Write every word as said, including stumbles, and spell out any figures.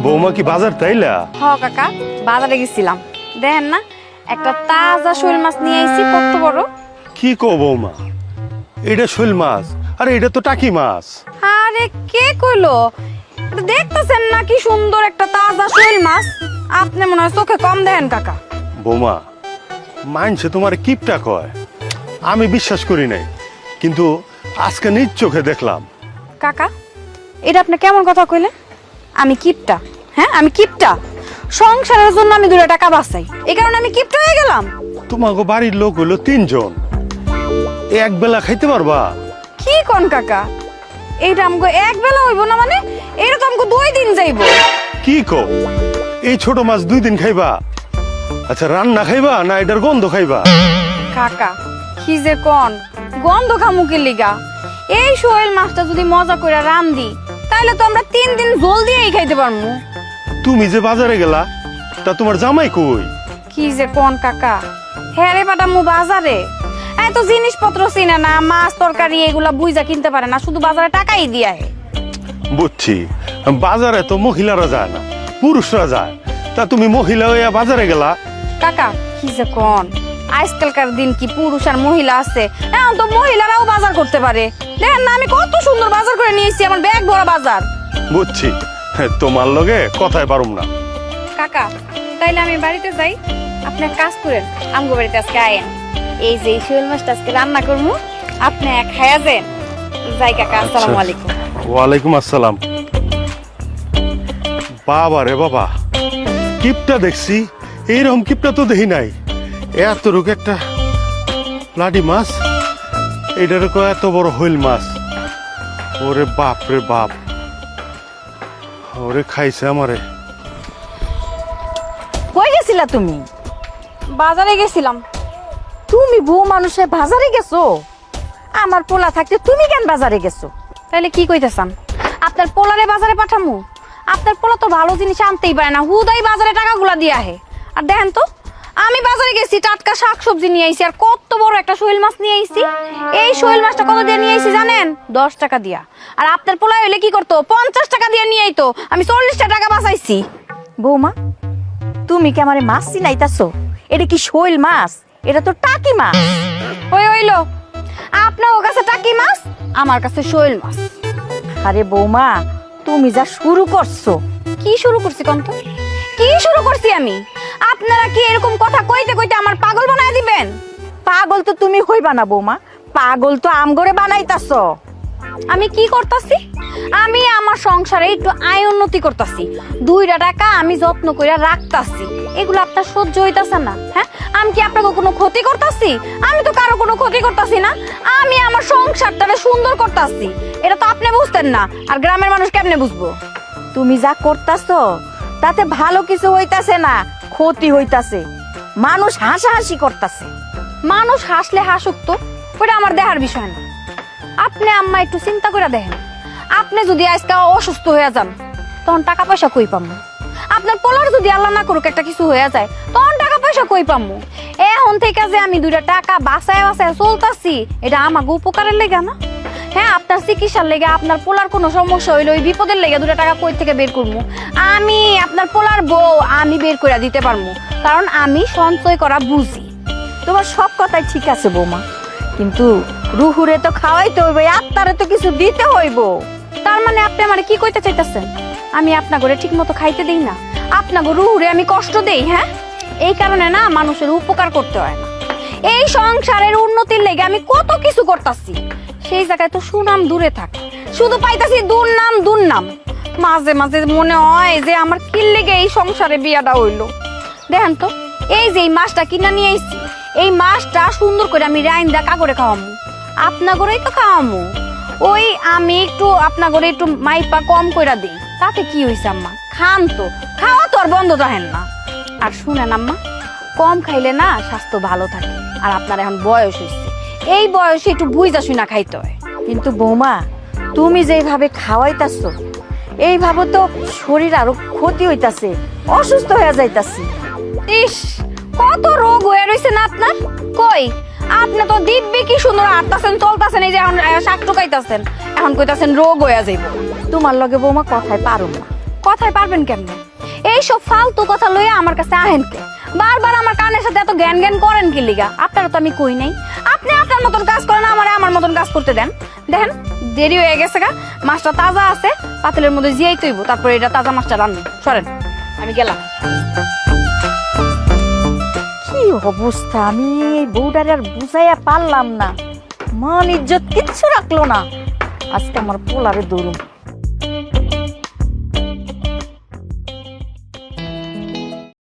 বৌমা কি বাজার তাইলা? হ কাকা, বাজারে গেছিলাম। দেখেন না, একটা তাজা শোল মাছ নিয়ে আইছি, কত বড়। কি কো বৌমা, এটা শোল মাছ? আরে এটা তো টাকি মাছ। আরে কে কইলো? দেখতেছেন না কি সুন্দর একটা তাজা শোল মাছ? আপনি মনে হয় চোখে কম দেখেন কাকা। বৌমা, মানছে তোমার কিপটা কয়, আমি বিশ্বাস করি নাই, কিন্তু আজকে নিজ চোখে দেখলাম। কাকা, এটা আপনি কেমন কথা কইলেন? আমি কিপটা? হ্যাঁ, আমি কিপটা? সংসারের জন্য আমি দুটো টাকা বাঁচাই, এই কারণে আমি কিপটা হয়ে গেলাম? তোমাকে বাড়ির লোক হইলো তিনজন, এক বেলা খাইতে পারবা? কি কোন কাকা, এইটা আমাকে এক বেলা হইব না? মানে এইটা তো আমাকে দুই দিন যাইব। কি কো, এই ছোট মাছ দুই দিন খাইবা? আচ্ছা, রান্না খাইবা না এটার গন্ধ খাইবা? কাকা, কি যে কোন, গন্ধ খামুকের লিগা? এই শোল মাছটা যদি মজা করে রান্ধি, তাহলে তো আমরা তিন দিন জল দিয়েই খাইতে পারবো। তুমি যে বাজারে গেলা, তা তোমার জামাই কই? কি যে কোন কাকা, হ্যাঁ রে পাঠামু বাজারে? এত জিনিসপত্র চিনে না, মাছ তরকারি এগুলা বুঝা কিনতে পারে না, শুধু বাজারে টাকাই দিয়ে আহে। বুঝছি, বাজারে তো মহিলারা যায় না, পুরুষরা যায়, তা তুমি মহিলা হইয়া বাজারে গেলা? কাকা, কি যে কোন, আজকালকার দিন কি পুরুষ আর মহিলা আছে? এখন তো মহিলারাও বাজার করতে পারে। দেখেন না, আমি কত সুন্দর বাজার করে নিয়েছি, আমার ব্যাগ ভরা বাজার। বুঝছি, তোমার লগে কথায় পারুম না। কাকা, তাইলে আমি বাড়িতে যাই, আপনি এক কাজ করেন, আমগো বাড়িতে আজকে আয়েন। এই যে শোল মাছটা আজকে রান্না করবো, আপনি এক খায়া যান। যাই কাকা, আসসালামু আলাইকুম। ওয়ালাইকুম আসসালাম। বাবা রে বাবা, কিপটা দেখছি, এইরকম কিপটা তো দেখি নাই। এত রোগ একটা লাডি মাছ, এটার এত বড় হইল মাছ। ওরে বাপ রে বাপ, ওরে খাইছে আমারে। কই গেছিলা তুমি? বাজারে গেছিলাম। তুমি বউ মানুষে বাজারে গেছো? আমার পোলা থাকতে তুমি কেন বাজারে গেছো? তাইলে কি কইতেছান, আপনার পোলারে বাজারে পাঠামু? আপনার পোলা তো ভালো জিনিস আনতেই পারে না, হুদাই বাজারে টাকাগুলা দিয়ে আহে। আর দেখেন তো, আমি বাজারে গেছি, টাটকা শাকসবজি নিয়ে আইছি, আর কত বড় একটা শোল মাছ নিয়ে আইছি। এই শোল মাছটা কত দিয়ে নিয়ে আইছি জানেন? দশ টাকা দিয়া। আর আপনার পোলা হইলে কি করতো? পঞ্চাশ টাকা দিয়ে নিয়ে আইতো। আমি চল্লিশটা টাকা বাঁচাইছি। বৌমা, তুমি কি আমারে মাছ চিনাইতাছো? এটা কি শোল মাছ? এটা তো টাকি মাছ। ওই হইলো, আপনার ও কাছে টাকি মাছ, আমার কাছে শোল মাছ। আরে বৌমা, তুমি যা শুরু করছো। কি শুরু করছি কন্ত? কি শুরু করছি আমি? আপনারা কি এরকম কথা কইতে কইতে আমার পাগল বানায় দিবেন? পাগল তো তুমি হইবা না বৌমা, পাগল তো আমগরে বানাইতাছো। আমি কি করতাছি? আমি আমার সংসারে একটু আয় উন্নতি করতাছি, দুইটা টাকা আমি যত্ন করে রাখতাছি। এগুলো আপনার সহ্য হইতাছে না? হ্যাঁ, আমি কি আপনাকে কোনো ক্ষতি করতাছি? আমি তো কারো কোনো ক্ষতি করতাছি না, আমি আমার সংসারটাকে সুন্দর করতাছি। এটা তো আপনি বুঝতেন না, আর গ্রামের মানুষ কেমনে বুঝবো? তুমি যা করতাছো তাতে ভালো কিছু হইতাছে না, ক্ষতি হইতাছে। মানুষ হাসাহাসি করতাছে। মানুষ হাসলে হাসুক তো, ওটা আমার দেখার বিষয় না। আপনি আম্মা একটু চিন্তা করে দেখেন, আপনি যদি আজকে অসুস্থ হয়ে যান, তখন টাকা পয়সা কই পামু? আপনার পোলার যদি আল্লাহ না করুক একটা কিছু হয়ে যায়, তখন টাকা পয়সা কই পামু? এখন থেকে যে আমি দুইটা টাকা বাঁচায় বাঁচায় চলতাছি, এটা আমাকে উপকারের লেগে না? হ্যাঁ, আপনার চিকিৎসার লেগে, আপনার পোলার কোনো সমস্যা হইলে ওই বিপদের লেগে দুটা টাকা কই থেকে বের করবো? আমি আপনার পোলার বউ, আমি বের করে দিতে পারবো, কারণ আমি সঞ্চয় করা বুঝি। তোমার সব কথাই ঠিক আছে বৌমা, কিন্তু রুহুরে তো খাওয়াইতে হইব, আত্মারে তো কিছু দিতে হইব। তার মানে আপনি আমারে কি কইতে চাইতেছেন? আমি আপনার ঘরে ঠিক মতো খাইতে দেই না, আপনার রুহুরে আমি কষ্ট দেই? হ্যাঁ, এই কারণে না মানুষের উপকার করতে হয় না। এই সংসারের উন্নতির লেগে আমি কত কিছু করতাছি, সেই জায়গায় তো সুনাম দূরে থাকে, শুধু পাইতাছি দুর্নাম দুর্নাম। মাঝে মাঝে মনে হয় যে আমার কি লেগে এই সংসারে বিয়াটা হইলো। দেখেন তো, এই যে এই মাছটা কিনা নিয়ে আইছি, এই মাছটা সুন্দর করে আমি রাইন্দা কাগরে খাওয়ামু, আপনার ঘরেই তো খাওয়ামু। ওই আমি একটু আপনার ঘরে একটু মাইপা কম কইরা দিই, তাতে কি হইছে আম্মা? খান তো, খাওয়া তো আর বন্ধ রাখেন না। আর শুনেন আম্মা, কম খাইলে না স্বাস্থ্য ভালো থাকে, আর আপনার এখন বয়স হয়েছে, এই বয়সে একটু বুঝা শুনা খাইতে হয়। কিন্তু বৌমা, তুমি যেভাবে খাওয়াইতাছো, এইভাবে তো শরীর আরো ক্ষতি হইতাছে, অসুস্থ হয়ে যাইতাছি। ইস, কত রোগ হয়ে রয়েছে না আপনার? কই, আপনি তো দিব্যি কি সুন্দর হাঁটতাছেন, চলতাছেন, এই যে এখন শাক টুকাইতাছেন, এখন কইতাছেন রোগ হয়ে যাইব। তোমার লগে বৌমা কথায় পারুম না। কথায় পারবেন কেমনে? এইসব ফালতু কথা লইয়া আমার কাছে আহেন কে? বারবার আমার কানের সাথে এত জ্ঞান জ্ঞান করেন কি লিগা? আপনারা তো আমি কই নাই। আপনি আপনার মতন কাজ করেন, আমারে আমার মতন কাজ করতে দেন। দেখেন দেরি হয়ে গেছে গা, মাছটা তাজা আছে, পাতিলের মধ্যে জিয়াই তৈব, তারপরে এটা তাজা মাছটা রান্না। সরেন, আমি গেলাম। কি অবস্থা, আমি এই বউটারে আর বুঝাইয়া পারলাম না। মান ইজ্জত কিচ্ছু রাখলো না। আজকে আমার পোলারে দৌড়ুম।